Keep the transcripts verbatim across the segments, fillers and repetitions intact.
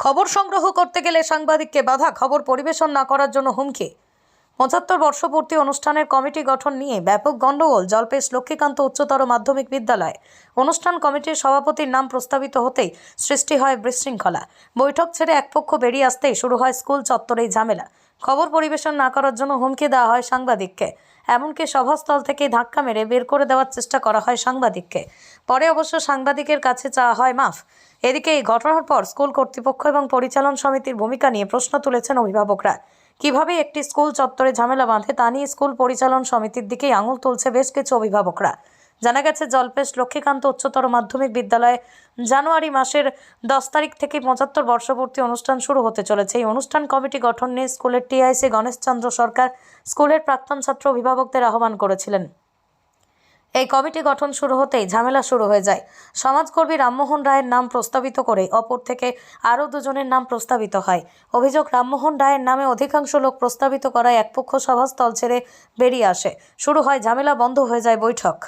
খবর সংগ্রহ করতে গেলে সাংবাদিককে বাধা, খবর পরিবেশন না করার জন্য হুমকি। পঁচাত্তর বর্ষপূর্তি অনুষ্ঠানের কমিটি গঠন নিয়ে ব্যাপক গণ্ডগোল জলপেশ লক্ষ্মীকান্ত উচ্চতর মাধ্যমিক বিদ্যালয়। অনুষ্ঠান কমিটির সভাপতির নাম প্রস্তাবিত হতেই সৃষ্টি হয় বিশৃঙ্খলা। বৈঠক ছেড়ে এক পক্ষ বেরিয়ে আসতেই শুরু হয় স্কুল চত্বরেই ঝামেলা। খবর পরিবেশন না করার জন্য হুমকি দেওয়া হয় সাংবাদিককে, এমনকি সভাস্থল থেকে ধাক্কা মেরে বের করে দেওয়ার চেষ্টা করা হয় সাংবাদিককে। পরে অবশ্য সাংবাদিকের কাছে চাওয়া হয় মাফ। এদিকে এই ঘটনার পর স্কুল কর্তৃপক্ষ এবং পরিচালন সমিতির ভূমিকা নিয়ে প্রশ্ন তুলেছেন অভিভাবকরা। কিভাবে একটি স্কুল চত্বরে ঝামেলা বাঁধে তা নিয়ে স্কুল পরিচালন সমিতির দিকেই আঙুল তুলছে বেশ কিছু অভিভাবকরা। জানা গেছে, জলপেশ লক্ষ্মীকান্ত উচ্চতর মাধ্যমিক বিদ্যালয়ে জানুয়ারি মাসের দশ তারিখ থেকে পঁচাত্তর বর্ষপূর্তি অনুষ্ঠান শুরু হতে চলেছে। এই অনুষ্ঠান কমিটি গঠন নিয়ে স্কুলের টিআইসি গণেশচন্দ্র সরকার স্কুলের প্রাক্তন ছাত্র অভিভাবকদের আহ্বান করেছিলেন। এই কমিটি গঠন শুরু হতেই ঝামেলা শুরু হয়ে যায়। সমাজকর্মী রামমোহন রায়ের নাম প্রস্তাবিত করে অপর থেকে আরও দুজনের নাম প্রস্তাবিত হয়। অভিযোগ, রামমোহন রায়ের নামে অধিকাংশ লোক প্রস্তাবিত করায় একপক্ষ সভাস্থল ছেড়ে বেরিয়ে আসে। শুরু হয় ঝামেলা, বন্ধ হয়ে যায় বৈঠক।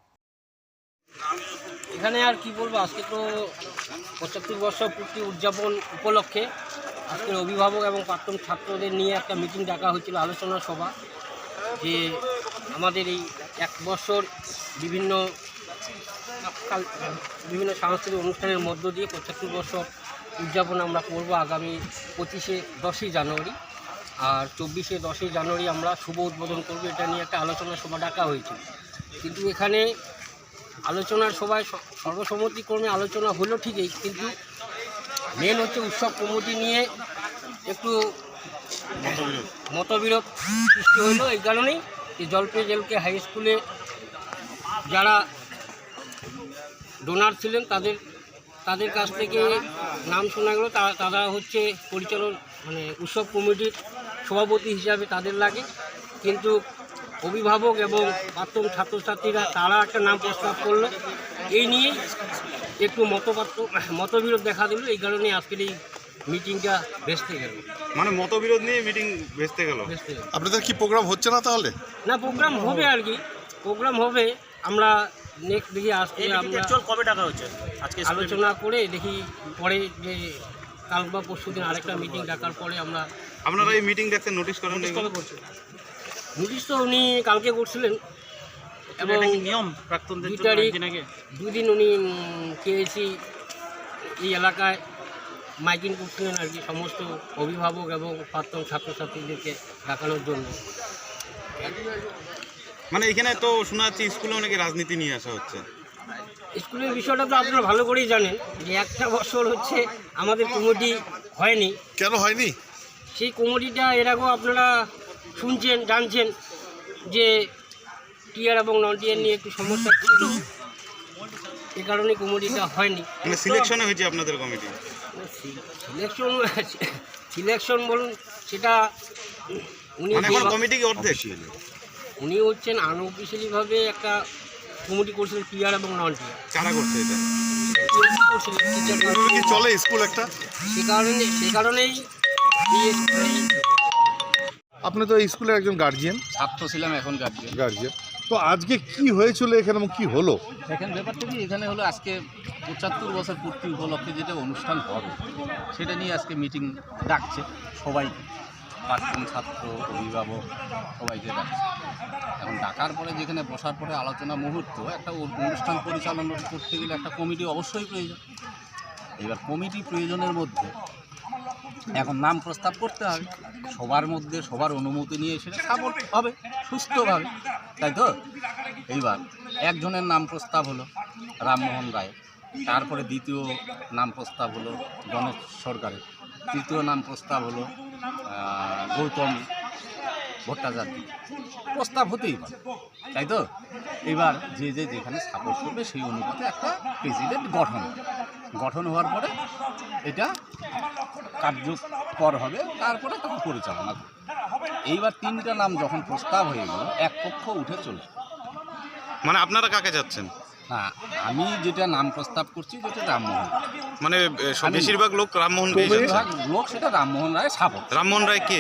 এখানে আর কি বলবো, আজকে তো পঁচাত্তর বর্ষ পূর্তি উদযাপন উপলক্ষে আজকের অভিভাবক এবং প্রাক্তন ছাত্রদের নিয়ে একটা মিটিং ডাকা হয়েছিল, আলোচনা সভা, যে আমাদের এই এক বছর বিভিন্ন বিভিন্ন সাংস্কৃতিক অনুষ্ঠানের মধ্য দিয়ে পঁচাত্তর বছর উদযাপন আমরা করব আগামী পঁচিশে দশই জানুয়ারি, আর চব্বিশে দশই জানুয়ারি আমরা শুভ উদ্বোধন করব। এটা নিয়ে একটা আলোচনা সভা ডাকা হয়েছিল, কিন্তু এখানে আলোচনার সভায় সর্বসম্মতিক্রমে আলোচনা হলো ঠিকই, কিন্তু মেন হচ্ছে উৎসব কমিটি নিয়ে একটু মতবিরোধ সৃষ্টি হলো। এই কারণেই যে জলপেশ এলকে হাই স্কুলে যারা ডোনার ছিলেন তাদের তাদের কাছ থেকে নাম শোনা গেল, তারা হচ্ছে পরিচালন মানে উৎসব কমিটির সভাপতি হিসাবে তাদের লাগে, কিন্তু অভিভাবক এবং প্রাক্তন ছাত্রছাত্রীরা তারা একটা নাম প্রস্তাব করলো। এই নিয়ে একটু মতপার্থ মতবিরোধ দেখা দিল, এই কারণে আজকের এই মিটিংটা ভেস্তে গেল। মানে মতবিরোধ নিয়ে মিটিং ভেস্তে গেল। আপনাদের কি প্রোগ্রাম হচ্ছে না তাহলে? না, প্রোগ্রাম হবে আর কি, প্রোগ্রাম হবে। আমরা নেক্সট দেখি আজকে আমরা কবে টাকা হচ্ছে আজকে আলোচনা করে দেখি, পরে যে কাল বা পরশু দিন আরেকটা মিটিং ডাকার পরে আমরা আপনারা এই মিটিং দেখতে নোটিশ করেন? নোটিশ তো উনি কালকে করছিলেন এবং নিয়ম প্রাক্তনদের দুই তারিখ দুদিন উনি কেএসি এই এলাকায় মাইকিং করছিলেন আর কি, সমস্ত অভিভাবক এবং প্রাক্তন ছাত্রছাত্রীদেরকে দেখানোর জন্য। মানে এখানে তো শোনা যাচ্ছে স্কুলে অনেকে রাজনীতি নিয়ে আসা হচ্ছে। স্কুলের বিষয়টা তো আপনারা ভালো করেই জানেন যে একটা বছর হচ্ছে আমাদের কমিটি হয়নি। কেন হয়নি? সেই কমিটিটা এর আগেও আপনারা শুনছেন, জানছেন যে টিআর এবং নন টিআর নিয়ে একটু সমস্যা ছিল, এ কারণে কমিটিটা হয়নি। মানে সিলেকশনে হয়েছে আপনাদের কমিটি? সিলেকশন সিলেকশন বলুন, সেটা উনি কমিটি কি অর্ধেক? উনি হচ্ছেন আনঅফিসিয়ালিভাবে একটা কমিটি করছিলেন টিআর এবং নন টিআর। কারা করছে এটা? কি চলে স্কুল একটা? সে কারণে সে কারণেই আপনি তো এই স্কুলের একজন গার্জিয়ান। ছাত্র ছিলাম, এখন গার্জিয়ান। গার্জিয়ান তো আজকে কি হয়েছিল এখানে এবং কি হলো? এখানে ব্যাপারটা কি, এখানে হলো আজকে পঁচাত্তর বছর পূর্তি উপলক্ষে যেটা অনুষ্ঠান হবে সেটা নিয়ে আজকে মিটিং ডাকছে সবাইকে, প্রাক্তন ছাত্র, অভিভাবক সবাইকে ডাকছে। এখন ডাকার পরে যেখানে বসার পরে আলোচনা মুহূর্ত, একটা অনুষ্ঠান পরিচালনা করতে গেলে একটা কমিটি অবশ্যই প্রয়োজন। এবার কমিটি প্রয়োজনের মধ্যে এখন নাম প্রস্তাব করতে হবে, সবার মধ্যে সবার অনুমতি নিয়ে সেটা সাপোর্ট হবে সুস্থভাবে, তাই তো? এইবার একজনের নাম প্রস্তাব হলো রামমোহন রায়, তারপরে দ্বিতীয় নাম প্রস্তাব হলো গণেশ সরকারের, তৃতীয় নাম প্রস্তাব হলো গৌতম ভট্টাচার্য। প্রস্তাব হতেই পারে, তাই তো? এবার যে যে যেখানে সাপোর্ট করবে সেই অনুপাতে একটা প্রেসিডেন্ট গঠন গঠন হওয়ার পরে এটা কার্যকর হবে, তারপরে তখন পরিচালনা করবে। এইবার তিনটা নাম যখন প্রস্তাব হয়ে গেল, এক পক্ষ উঠে চলে। মানে আপনারা কাকে যাচ্ছেন? না, আমি যেটা নাম প্রস্তাব করছি যেটা রামমোহন, মানে বেশিরভাগ লোক রামমোহন বেশিরভাগ লোক সেটা রামমোহন রায় সাপোর্ট। রামমোহন রায় কে?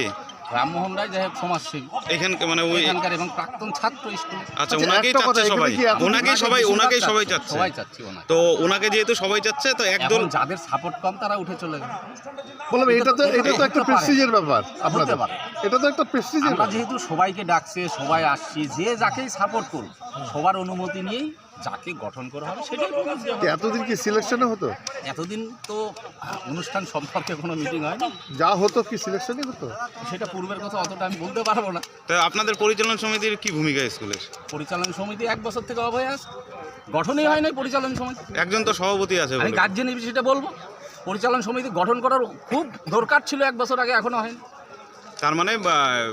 রামমোহন রায় যাই হোক সমাজসেবী এখানকার মানে ওই এখানকার এবং প্রাক্তন ছাত্র স্কুলে। আচ্ছা, আচ্ছা, ওনাকেই একটা কথা, চাচ্ছে এখানে সবাই, কি এখন- ওনাকেই সবাই ওনাকেই সবাই চাচ্ছে। সবাই চাচ্ছি ওনাকে। তো ওনাকে যেহেতু সবাই চাচ্ছে, তো একদল এখন যাদের সাপোর্ট কম তারা উঠে চলে গেল। বললাম এটা তো এটা তো একটা হতে পারে। প্রেস্টিজের ব্যাপার আপনাদের, হতে পারে। এটা তো একটা প্রেস্টিজের আমরা যেহেতু সবাইকে ডাকছে, সবাই আসছি, যে যাকেই সাপোর্ট করুক সবার অনুমতি নিয়েই যাকে গঠন করা হবে সেটাই প্রকাশ দেওয়া হবে। এতদিন কি সিলেকশনে হতো? এতদিন তো অনুষ্ঠান সম্পর্কে কোনো মিটিং হয় না, যা হতো কি সিলেকশনই হতো? সেটা পূর্বের কথা অতটা আমি বলতে পারবো না। তো আপনাদের পরিচালন সমিতির কি ভূমিকা স্কুলের? পরিচালন সমিতি এক বছর থেকে অভয় আছে, গঠনই হয় নাই পরিচালন সমিতি। একজন তো সভাপতি আছে আমি বলে। গার্জেন সেটা বলবো, পরিচালন সমিতি গঠন করার খুব দরকার ছিল এক বছর আগে, এখনো হয়নি। তার মানে বা,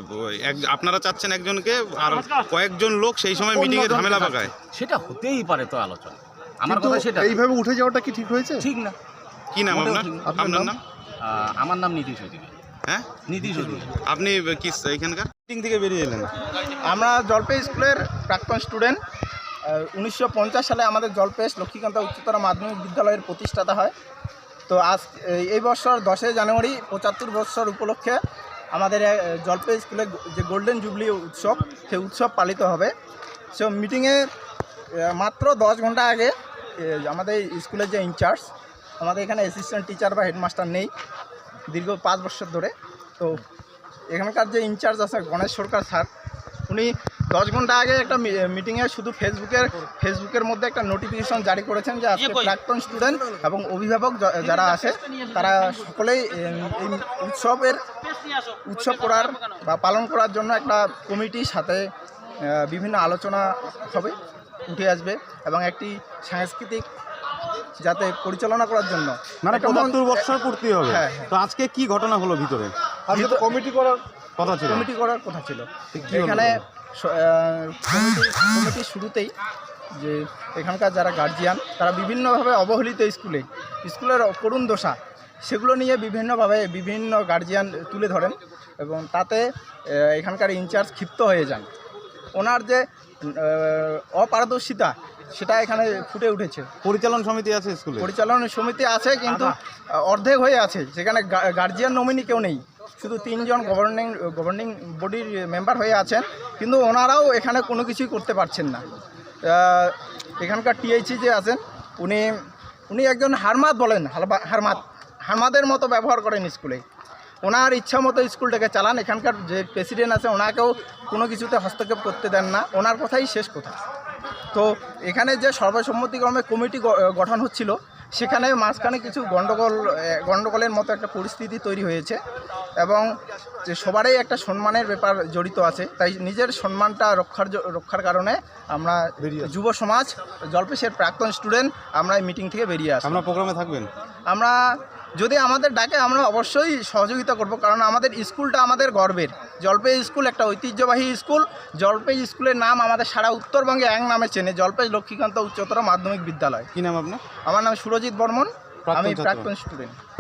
এক- আপনারা চাচ্ছেন একজনকে, আর কয়েকজন লোক সেই সময় মিটিং এ অন্যজনকে ঝামেলা ডাকছে। পাকায়। সেটা হতেই পারে তো আলোচনা, আমার কিন্তু কথা সেটা এইভাবে উঠে যাওয়াটা কি ঠিক হয়েছে? ঠিক না। কি নাম মোটেও আপনার? ঠিক না। আপনার আপনার নাম? নাম? আহ, আমার নাম নীতিশ অধিকারী। হ্যাঁ, নীতিশ অধিকারী। আপনি কি এখানকার মিটিং থেকে বেরিয়ে এলেন? আমরা জলপাই স্কুলের প্রাক্তন স্টুডেন্ট। উনিশশো পঞ্চাশ সালে আমাদের জলপাই লক্ষ্মীকান্ত উচ্চতর মাধ্যমিক বিদ্যালয়ের প্রতিষ্ঠাতা হয়। তো আজ এই বছর দশই জানুয়ারি পঁচাত্তর বছর উপলক্ষে আমাদের আহ, জলপাই স্কুলে যে গোল্ডেন জুবলি উৎসব, সেই উৎসব পালিত হবে। সে মিটিংয়ে মাত্র দশ ঘন্টা আগে আহ, আমাদের স্কুলের যে ইনচার্জ, আমাদের এখানে অ্যাসিস্ট্যান্ট টিচার বা হেডমাস্টার নেই দীর্ঘ পাঁচ বছর ধরে। তো এখানকার যে ইনচার্জ আছে গণেশ সরকার স্যার, উনি দশ ঘন্টা আগে একটা মিটিংয়ে শুধু ফেসবুকের ফেসবুকের মধ্যে একটা নোটিফিকেশন জারি করেছেন যে আজকে প্রাক্তন স্টুডেন্ট এবং অভিভাবক য- যারা আছে তারা সকলেই এই এই উৎসবের উৎসব করার বা পালন করার জন্য একটা কমিটির সাথে আহ, বিভিন্ন আলোচনা হবে, উঠে আসবে এবং একটি সাংস্কৃতিক যাতে পরিচালনা করার জন্য মানে প্রধান- পঁচাত্তর বছর পূর্তি হবে। হ্যাঁ, হ্যাঁ। তো আজকে কি ঘটনা হলো ভিতরে? আজকে তো কমিটি করার কথা ছিল। কমিটি করার কথা ছিল। কি হলো? এখানে স- আহ, কমিটি কমিটির শুরুতেই যে এখানকার যারা গার্জিয়ান তারা বিভিন্নভাবে অবহেলিত স্কুলে স্কুলের করুণ দশা, সেগুলো নিয়ে বিভিন্নভাবে বিভিন্ন গার্জিয়ান তুলে ধরেন এবং তাতে আহ, এখানকার ইনচার্জ ক্ষিপ্ত হয়ে যান। ওনার যে আহ, অপারদর্শিতা সেটা এখানে ফুটে উঠেছে। পরিচালন সমিতি আছে স্কুলে? পরিচালনা সমিতি আছে কিন্তু আহ, অর্ধেক হয়ে আছে, সেখানে গা- গার্জিয়ান নমিনি কেউ নেই, শুধু তিনজন গভর্নিং গভর্নিং বডির মেম্বার হয়ে আছেন, কিন্তু ওনারাও এখানে কোনো কিছুই করতে পারছেন না। আহ, এখানকার টিএইচি যে আছেন উনি উনি একজন হারমাত বলেন, হালবা- হারমাত হারমাদের মতো ব্যবহার করেন স্কুলে। ওনার ইচ্ছা মতো স্কুলটাকে চালান। এখানকার যে প্রেসিডেন্ট আছে ওনাকেও কোনো কিছুতে হস্তক্ষেপ করতে দেন না, ওনার কথাই শেষ কথা। তো এখানে যে সর্বসম্মতিক্রমে কমিটি গ- গঠন হচ্ছিল, সেখানে মাঝখানে কিছু গণ্ডগোল এ, গণ্ডগোলের মতো একটা পরিস্থিতি তৈরি হয়েছে এবং যে সবারই একটা সম্মানের ব্যাপার জড়িত আছে। তাই নিজের সম্মানটা রক্ষার জ- রক্ষার কারণে আমরা যুব সমাজ জলপেশের প্রাক্তন স্টুডেন্ট আমরা এই মিটিং থেকে বেরিয়ে আসি। আপনার প্রোগ্রামে থাকবেন? আমরা যদি আমাদের ডাকে আমরা অবশ্যই সহযোগিতা করব, কারণ আমাদের স্কুলটা আমাদের গর্বের। জলপাই স্কুল একটা ঐতিহ্যবাহী স্কুল। জলপাই স্কুলের নাম আমাদের সারা উত্তরবঙ্গে এক নামে চেনে, জলপাই লক্ষ্মীকান্ত উচ্চতর মাধ্যমিক বিদ্যালয়। কি নাম আপনার? আমার নাম সুরজিৎ বর্মন, প্রাক্তন আমি ছাত্র। প্রাক্তন স্টুডেন্ট।